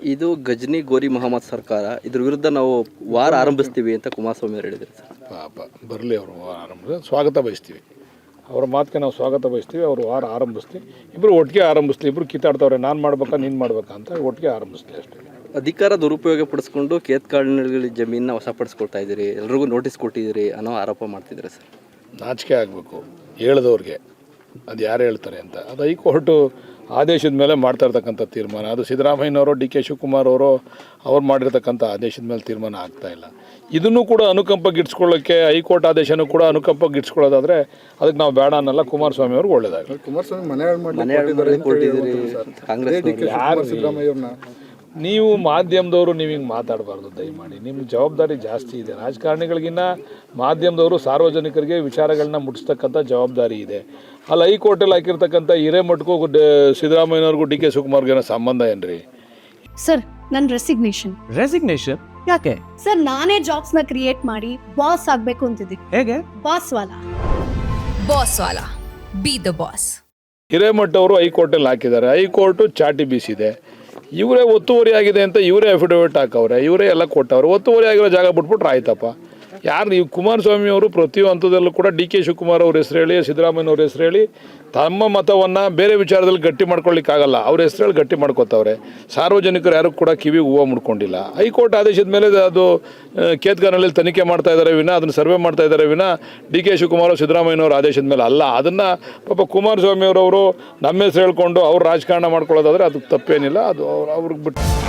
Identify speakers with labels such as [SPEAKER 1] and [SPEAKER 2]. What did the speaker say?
[SPEAKER 1] ಇದು ಗಜನಿ ಗೋರಿ ಮೊಹಮ್ಮದ್ ಸರ್ಕಾರ, ಇದ್ರ ವಿರುದ್ಧ ನಾವು ವಾರ ಆರಂಭಿಸ್ತೀವಿ ಅಂತ ಕುಮಾರಸ್ವಾಮಿ ಅವರು ಹೇಳಿದರು ಸರ್.
[SPEAKER 2] ಪಾಪ ಬರಲಿ ಅವರು ಆರಂಭ ಸ್ವಾಗತ ಬಯಸ್ತೀವಿ, ಅವರ ಮಾತಿಗೆ ನಾವು ಸ್ವಾಗತ ಬಯಸ್ತೀವಿ. ಅವರು ವಾರ ಆರಂಭಿಸ್ತೀವಿ, ಇಬ್ಬರು ಒಟ್ಟಿಗೆ ಆರಂಭಿಸ್ಲಿ. ಇಬ್ಬರು ಕಿತ್ತಾಡ್ತವ್ರೆ, ನಾನು ಮಾಡ್ಬೇಕಾ ನೀನು ಮಾಡ್ಬೇಕಾ ಅಂತ ಒಟ್ಟಿಗೆ ಆರಂಭಿಸ್ಲಿ ಅಷ್ಟೇ.
[SPEAKER 1] ಅಧಿಕಾರ ದುರುಪಯೋಗ ಪಡಿಸ್ಕೊಂಡು ಕೇತ್ಕಾಡಿನ ಜಮೀನನ್ನ ವಶಪಡಿಸ್ಕೊಳ್ತಾ ಇದ್ದೀರಿ, ಎಲ್ರಿಗೂ ನೋಟಿಸ್ ಕೊಟ್ಟಿದ್ದೀರಿ ಅನ್ನೋ ಆರೋಪ ಮಾಡ್ತಿದ್ದಾರೆ ಸರ್.
[SPEAKER 2] ನಾಚಿಕೆ ಆಗಬೇಕು ಹೇಳಿದವ್ರಿಗೆ, ಅದು ಯಾರು ಹೇಳ್ತಾರೆ ಅಂತ. ಅದು ಹೈಕೋರ್ಟು ಆದೇಶದ ಮೇಲೆ ಮಾಡ್ತಾ ಇರ್ತಕ್ಕಂಥ ತೀರ್ಮಾನ. ಅದು ಸಿದ್ದರಾಮಯ್ಯನವರು, ಡಿ ಕೆ ಶಿವಕುಮಾರ್ ಅವರು ಮಾಡಿರ್ತಕ್ಕಂಥ ಆದೇಶದ ಮೇಲೆ ತೀರ್ಮಾನ ಆಗ್ತಾಯಿಲ್ಲ. ಇದನ್ನು ಕೂಡ ಅನುಕಂಪ ಗಿಟ್ಸ್ಕೊಳ್ಳೋಕ್ಕೆ ಹೈಕೋರ್ಟ್ ಆದೇಶನೂ ಕೂಡ ಅನುಕಂಪ ಗಿಟ್ಸ್ಕೊಳ್ಳೋದಾದರೆ ಅದಕ್ಕೆ ನಾವು ಬೇಡ ಅನ್ನಲ್ಲ. ಕುಮಾರಸ್ವಾಮಿ ಅವ್ರಿಗೆ ಒಳ್ಳೇದಾಗಲಿ.
[SPEAKER 3] ಕುಮಾರಸ್ವಾಮಿ
[SPEAKER 1] ಮನೆ ಕೊಟ್ಟಿದ್ದೀರಿ ಕಾಂಗ್ರೆಸ್
[SPEAKER 3] ಸಿದ್ದರಾಮಯ್ಯವ್ರನ್ನ.
[SPEAKER 2] ನೀವು ಮಾಧ್ಯಮದವರು ನೀವು ಹಿಂಗೆ ಮಾತಾಡಬಾರ್ದು ದಯಮಾಡಿ. ನಿಮ್ಮ ಜವಾಬ್ದಾರಿ ಜಾಸ್ತಿ ಇದೆ. ರಾಜಕಾರಣಿಗಳಿಗಿನ್ನ ಮಾಧ್ಯಮದವರು ಸಾರ್ವಜನಿಕರಿಗೆ ವಿಚಾರಗಳನ್ನ ಮುಟ್ಟಿಸ್ತಕ್ಕಂಥ ಜವಾಬ್ದಾರಿ ಇದೆ. ಅಲ್ಲಿ ಹೈಕೋರ್ಟಲ್ಲಿ ಹಾಕಿರ್ತಕ್ಕಂಥ ಹಿರೇಮಠಕ್ಕೂ ಸಿದ್ದರಾಮಯ್ಯನವ್ರಿಗೂ ಡಿ ಕೆ ಶಿವಕುಮಾರ್ಗೆ ಏನೋ ಸಂಬಂಧ ಏನ್ರಿ?
[SPEAKER 4] ಸರ್, ನನ್ನ ರೆಸಿಗ್ನೇಷನ್
[SPEAKER 5] ಯಾಕೆ
[SPEAKER 4] ಸರ್? ನಾನೇ ಜಾಬ್ಸ್ನ ಕ್ರಿಯೇಟ್ ಮಾಡಿ ಬಾಸ್ ಆಗಬೇಕು ಅಂತಿದ್ದೀನಿ.
[SPEAKER 5] ಹೇಗೆ?
[SPEAKER 4] ಬಾಸ್ ವಾಲಾ
[SPEAKER 6] ಬಿ ದ ಬಾಸ್.
[SPEAKER 2] ಹಿರೇಮಠ ಅವರು ಹೈಕೋರ್ಟಲ್ಲಿ ಹಾಕಿದ್ದಾರೆ. ಹೈಕೋರ್ಟು ಚಾಟಿ ಬೀಸಿದೆ. ಇವರೇ ಒತ್ತುವರಿ ಆಗಿದೆ ಅಂತ ಇವರೇ ಅಫಿಡವಿಟ್ ಹಾಕವ್ರೆ, ಇವರೇ ಎಲ್ಲ ಕೊಟ್ಟವ್ರೆ. ಒತ್ತುವರಿ ಆಗಿರೋ ಜಾಗ ಬಿಟ್ಬಿಟ್ರೆ ಆಯ್ತಪ್ಪ. ಯಾರು ನೀವು ಕುಮಾರಸ್ವಾಮಿ ಅವರು ಪ್ರತಿಯೊಂದು ಹಂತದಲ್ಲೂ ಕೂಡ ಡಿ ಕೆ ಶಿವಕುಮಾರ್ ಅವ್ರ ಹೆಸರು ಹೇಳಿ, ಸಿದ್ದರಾಮಯ್ಯನವ್ರ ಹೆಸರು ಹೇಳಿ ತಮ್ಮ ಮತವನ್ನು ಬೇರೆ ವಿಚಾರದಲ್ಲಿ ಗಟ್ಟಿ ಮಾಡ್ಕೊಳ್ಳಿಕ್ಕಾಗಲ್ಲ. ಅವ್ರ ಹೆಸರು ಹೇಳಿ ಗಟ್ಟಿ ಮಾಡ್ಕೋತಾವ್ರೆ. ಸಾರ್ವಜನಿಕರು ಯಾರು ಕೂಡ ಕಿವಿಗೆ ಹೂವು ಮುಡ್ಕೊಂಡಿಲ್ಲ. ಹೈಕೋರ್ಟ್ ಆದೇಶದ ಮೇಲೆ ಅದು ಕೇತ್ಗಾನಲ್ಲಿ ತನಿಖೆ ಮಾಡ್ತಾ ಇದ್ದಾರೆ ವಿನ, ಅದನ್ನು ಸರ್ವೆ ಮಾಡ್ತಾ ಇದ್ದಾರೆ ವಿನ ಡಿ ಕೆ ಶಿವಕುಮಾರ್ ಸಿದ್ದರಾಮಯ್ಯನವ್ರ ಆದೇಶದ ಮೇಲೆ ಅಲ್ಲ. ಅದನ್ನು ಪಾಪ ಕುಮಾರಸ್ವಾಮಿ ಅವರವರು ನಮ್ಮ ಹೆಸರು ಹೇಳ್ಕೊಂಡು ಅವ್ರು ರಾಜಕಾರಣ ಮಾಡ್ಕೊಳ್ಳೋದಾದರೆ ಅದಕ್ಕೆ ತಪ್ಪೇನಿಲ್ಲ. ಅದು ಅವ್ರಿಗೆ ಬಿಟ್ಟು